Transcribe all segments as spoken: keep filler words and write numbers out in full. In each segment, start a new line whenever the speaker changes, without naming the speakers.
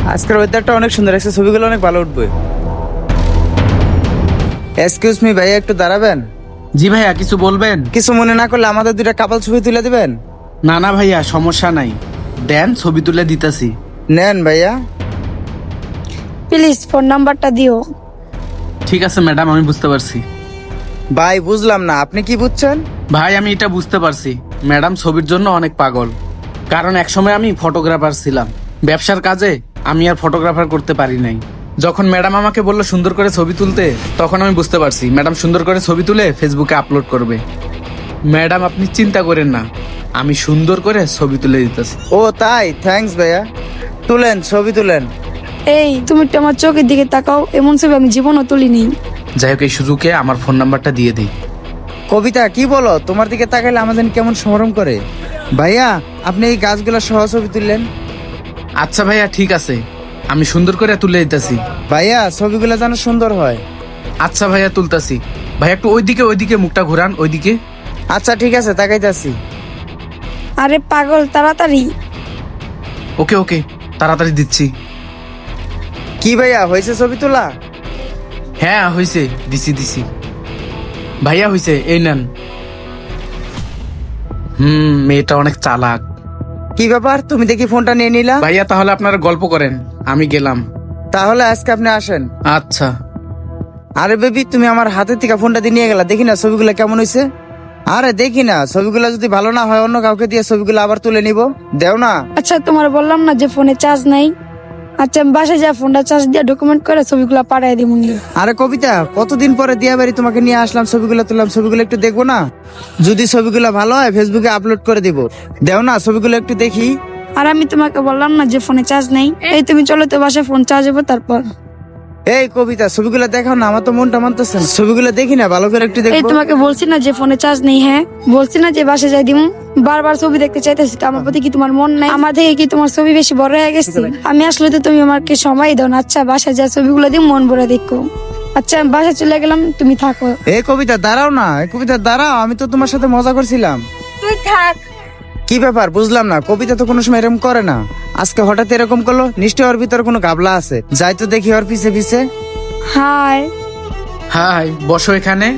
আজকের ওয়েদারটা অনেক সুন্দর, আজকে ছবিগুলো অনেক ভালো উঠবে। এক্সকিউজ মি ভাইয়া, একটু দাঁড়াবেন?
জি ভাইয়া, কিছু বলবেন?
কিছু মনে না করলে আমাদের দুইটা কাপাল ছবি তুলে দিবেন।
না না ভাইয়া, সমস্যা নাই, দেন ছবি তুলে দিতেছি।
নেন ভাইয়া।
প্লিজ ফোন নাম্বারটা দিও।
ঠিক আছে ম্যাডাম, আমি বুঝতে পারছি।
ভাই বুঝলাম না, আপনি কি বুঝছেন?
ভাই আমি এটা বুঝতে পারছি, ম্যাডাম ছবির জন্য অনেক পাগল। কারণ একসময় আমি ফটোগ্রাফার ছিলাম, ব্যবসার কাজে আমি আর ফটোগ্রাফার করতে পারি নাই। যখন ম্যাডাম আমাকে বললো সুন্দর করে ছবি তুলতে, তখন আমি বুঝতে পারছি ম্যাডাম সুন্দর করে ছবি তুলে ফেসবুকে আপলোড করবে। ম্যাডাম আপনি চিন্তা করেন না, আমি সুন্দর করে ছবি তুলে দিতেছি।
ও তাই, থ্যাঙ্কস ভাইয়া। তুলেন, ছবি তুলেন।
এই তুমি একটু আমার চোখের দিকে তাকাও, এমন ছবি আমি জীবনও তুলিনি।
যাই হোক, এই সুযোগে আমার ফোন নাম্বারটা দিয়ে দিই।
কবিতা কি বলো, তোমার দিকে তাকাইলে আমাদের কেমন সমরম করে। ভাইয়া আপনি এই গাছগুলো সহ ছবি তুললেন।
আচ্ছা ভাইয়া ঠিক আছে, আমি সুন্দর করে তুলে দিতেছি।
ভাইয়া ছবিগুলো যেন সুন্দর হয়।
আচ্ছা ভাইয়া তুলতাছি। ভাইয়া একটু ওইদিকে ওইদিকে মুখটা ঘুরান, ওইদিকে।
আচ্ছা ঠিক আছে, তাকাইতাছি।
আরে পাগল, তাড়াতাড়ি।
ওকে ওকে, তাড়াতাড়ি দিচ্ছি।
কি ভাইয়া, হয়েছে ছবি তোলা?
হ্যাঁ হয়েছে, দিছি দিছি। ভাইয়া হয়েছে, এই নেন। হুম, মেয়েটা অনেক চালাক।
কি ব্যাপার, তুমি দেখি ফোনটা নিয়ে নিলা?
ভাইয়া তাহলে আপনারা গল্প করেন, আমি গেলাম।
তাহলে আজকে আপনি আসেন।
আচ্ছা।
আরে বেবি, তুমি আমার হাতের থেকে ফোনটা দিয়ে নিয়ে গেলা, দেখি না ছবিগুলো কেমন হয়েছে। আরে দেখি না, ছবিগুলো যদি ভালো না হয় অন্য কাউকে দিয়ে ছবিগুলো আবার তুলে নিব। দেও না।
আচ্ছা তোমার বললাম না যে ফোনে চার্জ নাই। আচ্ছা আমি বাসায় যা ফোনটা চার্জ দিয়ে ডকুমেন্ট করে ছবিগুলো পাঠাই দিব।
আরে কবিতা, কতদিন পরে দিয়া বাড়ি তোমাকে নিয়ে আসলাম, ছবিগুলো তুললাম, ছবিগুলো একটু দেখবো না? যদি ছবিগুলো ভালো হয় ফেসবুকে আপলোড করে দিব। দেও না, ছবিগুলো একটু দেখি।
আর আমি তোমাকে বললাম না যে ফোনে চার্জ নেই। এই তুমি চলো তো বাসায়, ফোন চার্জ হবে তারপর।
এই কবিতা, ছবিগুলো দেখাও না, আমার তো মনটা মানতেছে না। ছবিগুলো দেখি না, ভালো করে একটু
এই
দেখবো।
তোমাকে বলছি না যে ফোনে চার্জ নেই। হ্যাঁ বলছি না যে বাসায় যাই দিমু। বারবার ছবি দেখতে চাইতেছি, তো আমার প্রতি কি তোমার মন নাই? আমার থেকে কি তোমার ছবি বেশি বড় হয়ে গেছে? আমি আসলে তো তুমি আমাকে সময় দাও না। আচ্ছা বাসায় যা ছবিগুলো দিই, মন ভরে দেখো। আচ্ছা আমি বাসায় চলে গেলাম, তুমি থাকো।
এই কবিতা দাঁড়াও না, এই কবিতা দাঁড়াও, আমি তো তোমার সাথে মজা করছিলাম।
তুই থাক।
কি ব্যাপার বুঝলাম না, কবিতা তো কোনো সময় এরকম করে না, আজকে হঠাৎ এরকম করলো। নিশ্চয় ওর ভিতরে কোনো গাবলা আছে, যাই তো দেখি ওর পিছে পিছে।
হাই।
হাই, বসো এখানে।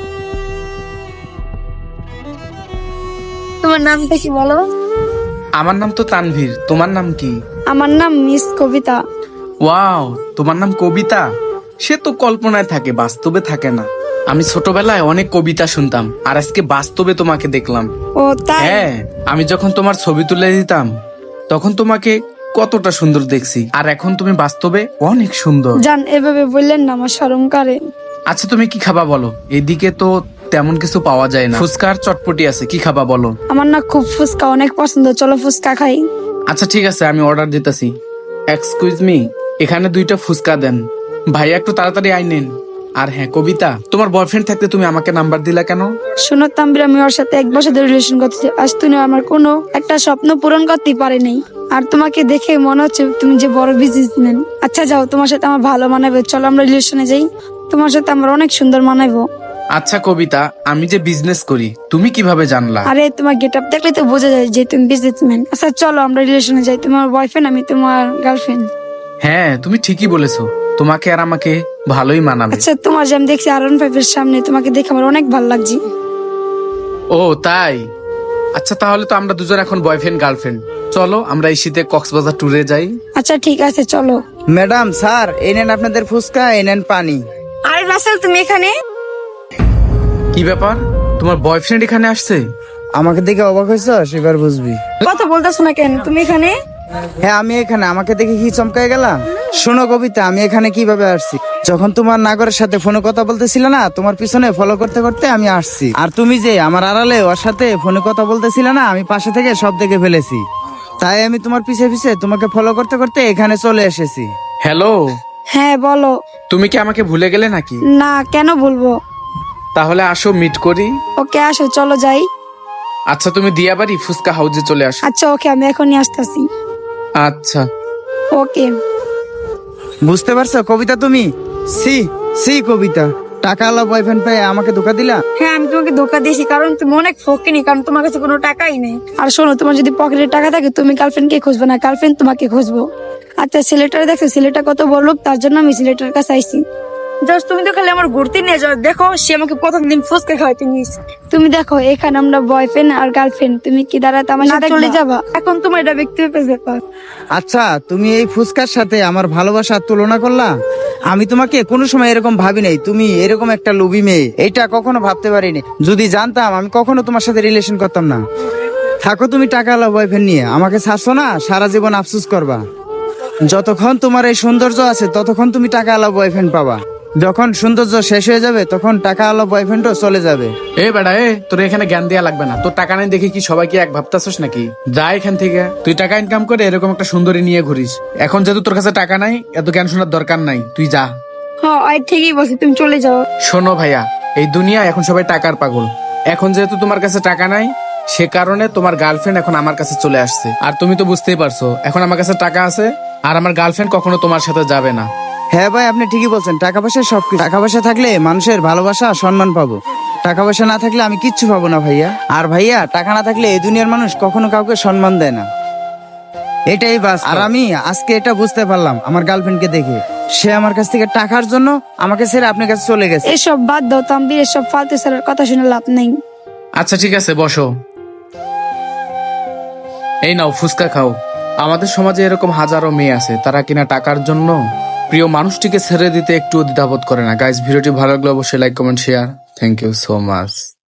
তোমার নামটা কি বলো?
আমার নাম তো তানভীর, তোমার নাম কি?
আমার নাম মিস কবিতা।
ওয়াও, তোমার নাম কবিতা? সে তো কল্পনায় থাকে, বাস্তবে থাকে না। আমি ছোটবেলায় অনেক কবিতা শুনতাম, আর আজকে বাস্তবে তোমাকে দেখলাম।
ও তাই?
হ্যাঁ, আমি যখন তোমার ছবি তুলে দিতাম তখন তোমাকে কতটা সুন্দর দেখছি, আর এখন তুমি বাস্তবে অনেক সুন্দর।
জান এভাবে বললেন না, আমার শরম করে।
আচ্ছা তুমি কি খাবা বলো? এদিকে তো তেমন কিছু পাওয়া যায় না, ফুচকা আর চটপটি আছে, কি খাবা বলো?
আমার না খুব ফুচকা অনেক পছন্দ, চলো ফুচকা খাই।
আচ্ছা ঠিক আছে, আমি অর্ডার দিতেছি। এক্সকিউজ মি, এখানে দুইটা ফুচকা দেন। ভাইয়া একটু তাড়াতাড়ি আইনেন। আর হ্যাঁ কবিতা, তোমার বয়ফ্রেন্ড থাকতে তুমি আমাকে নাম্বার দিলা কেন?
শোনো তাম্বির, আমি ওর সাথে এক বছর ধরে রিলেশন করতেছি, আজ তুমি আমার কোনো একটা স্বপ্ন পূরণ করতেই পারে নাই। আর তোমাকে দেখে মনে হচ্ছে তুমি যে বড় বিজনেসম্যান। আচ্ছা যাও, তোমার সাথে আমার ভালো মানাবে, চলো আমরা রিলেশনে যাই। তোমার সাথে আমার অনেক সুন্দর মানাবো।
আচ্ছা কবিতা, আমি যে বিজনেস করি তুমি কিভাবে জানলা?
আরে তোমার গেট আপ দেখলে তো বোঝা যায় যে তুমি বিজনেসম্যান। আচ্ছা চলো আমরা রিলেশনে যাই, তোমার বয়ফ্রেন্ড আমি তোমার গার্লফ্রেন্ড।
হ্যাঁ তুমি ঠিকই বলেছো, তোমাকে আর আমাকে ভালোই মানাবে।
আচ্ছা তোমার যে আমি দেখছি আর ওয়ান ফাইভ এর সামনে, তোমাকে দেখে আমার অনেক ভালো লাগছে।
ও তাই? আচ্ছা তাহলে তো আমরা দুজন এখন বয়ফ্রেন্ড গার্লফ্রেন্ড। চলো আমরা এই শীতে কক্সবাজার ট্যুরে যাই।
আচ্ছা ঠিক আছে চলো।
ম্যাডাম, স্যার, এই নেন আপনাদের ফুচকা, এই নেন পানি।
আরে রাসেল তুমি এখানে?
কি ব্যাপার, তোমার বয়ফ্রেন্ড এখানে আসছে?
আমাকে দেখে অবাক হয়েছ, সেবার বুঝবি।
কথা বলতেছো না কেন তুমি এখানে?
হ্যাঁ আমি এখানে, আমাকে দেখে কি চমকায় গেলা? শোনো কবিতা, আমি এখানে কিভাবে আসছি। যখন তোমার নাগরের সাথে ফোনে কথা বলতেছিল না, তোমার পিছনে ফলো করতে করতে আমি আসছি। আর তুমি যে আমার আড়ালে ওর সাথে ফোনে কথা বলতেছিল না, আমি পাশে থেকে সব দেখে ফেলেছি। তাই আমি তোমার পিছে পিছে তোমাকে ফলো করতে করতে এখানে চলে এসেছি।
হ্যালো,
হ্যাঁ বলো।
তুমি কি আমাকে ভুলে গেলে নাকি?
না কেন বলবো।
তাহলে আসো মিট করি।
ওকে আসো, চলো যাই।
আচ্ছা তুমি দিয়াবাড়ি ফুচকা হাউজে চলে আসো।
আচ্ছা ওকে, আমি এখনই আসতেছি।
আচ্ছা।
ওকে।
বুঝতে পারছো কবিতা তুমি? সি সি কবিতা, টাকাওয়ালা বয়ফ্রেন্ড পেয়ে আমাকে ধোকা দিলা।
হ্যাঁ আমি তোমাকে ধোকা দিয়েছি, কারণ তুমি অনেক ফকিনি, কারণ তোমার কাছে কোনো টাকাই নেই। আর শোনো, তোমার যদি পকেটে টাকা থাকে তুমি গার্লফ্রেন্ড কে খুঁজবে না, গার্লফ্রেন্ড তোমাকে খুঁজবো। আচ্ছা ছেলেটার দেখো, ছেলেটা কত বড় লোক, তার জন্য আমি ছেলেটার কাছে আইছি। জাস্ট তুমি তো খালি আমার ঘুরতে নিয়ে যাও, দেখো সে আমাকে প্রথম দিন ফুচকা খাওয়াইতে নিয়েছে। তুমি দেখো এখানে আমরা বয়ফ্রেন্ড আর গার্লফ্রেন্ড, তুমি কি দাঁড়াতে আমার সাথে চলে যাবা? এখন তোমার এটা ব্যক্তিগত ব্যাপার।
আচ্ছা, তুমি এই ফুচকার সাথে আমার ভালোবাসার তুলনা করলা? আমি তোমাকে কোনো সময় এরকম ভাবি নাই তুমি এরকম একটা লোভী মেয়ে, এটা কখনো ভাবতে পারিনি। যদি জানতাম আমি কখনো তোমার সাথে রিলেশন করতাম না। থাকো তুমি টাকাওয়ালা বয়ফ্রেন্ড নিয়ে, আমাকে ছাড়ছো না, সারা জীবন আফসোস করবা। যতক্ষণ তোমার এই সৌন্দর্য আছে ততক্ষণ তুমি টাকাওয়ালা বয়ফ্রেন্ড পাবা, যখন সৌন্দর্য শেষ হয়ে যাবে তখন টাকাওয়ালা বয়ফ্রেন্ডও চলে যাবে।
এ বেটা এ, তোর এখানে জ্ঞান দেওয়া লাগবে না। তোর টাকা নাই দেখে কি সবাই কি এক ভাবতাছস নাকি? যা এখান থেকে, তুই টাকা ইনকাম করে এরকম একটা সুন্দরী নিয়ে ঘুরিস। এখন যেহেতু তোর কাছে টাকা নাই, এত জ্ঞান শোনার দরকার নাই, তুই যা।
হ্যাঁ আই ঠিকই বলছি, তুমি চলে যাও।
শোনো ভাইয়া, এই দুনিয়া এখন সবাই টাকার পাগল। এখন যেহেতু তোমার কাছে টাকা নাই, সে কারণে তোমার গার্লফ্রেন্ড এখন আমার কাছে চলে আসছে। আর তুমি তো বুঝতেই পারছো, এখন আমার কাছে টাকা আছে আর আমার গার্লফ্রেন্ড কখনো তোমার সাথে যাবে না।
হ্যাঁ ভাই, আপনি ঠিকই বলছেন, টাকা পয়সা সবকিছু। টাকা পয়সা থাকলে মানুষের ভালোবাসা সম্মান পাবো, টাকা পয়সা না থাকলে আমি কিচ্ছু পাবো না ভাইয়া। আর ভাইয়া, টাকা না থাকলে এই দুনিয়ার মানুষ কখনো কাউকে সম্মান দেয় না, এটাই বাস। আর আমি আজকে এটা বুঝতে পারলাম আমার গার্লফ্রেন্ডকে দেখে, সে আমার কাছ থেকে টাকার জন্য আমাকে ছেড়ে আপনার কাছে চলে গেছে।
এসব বাদ দাও তাম্বির, এসব ফালতু স্যারের কথা শুনে লাভ নেই।
আচ্ছা ঠিক আছে, বসো। এই নাও ফুচকা খাও। আমাদের সমাজে এরকম হাজারো মেয়ে আছে, তারা কিনা টাকার জন্য প্রিয় মানুষটিকে ছেড়ে দিতে একটু দ্বিধাবোধ করে না। গাইস, ভিডিওটি ভালো লাগলে অবশ্যই like comment share. Thank you so much.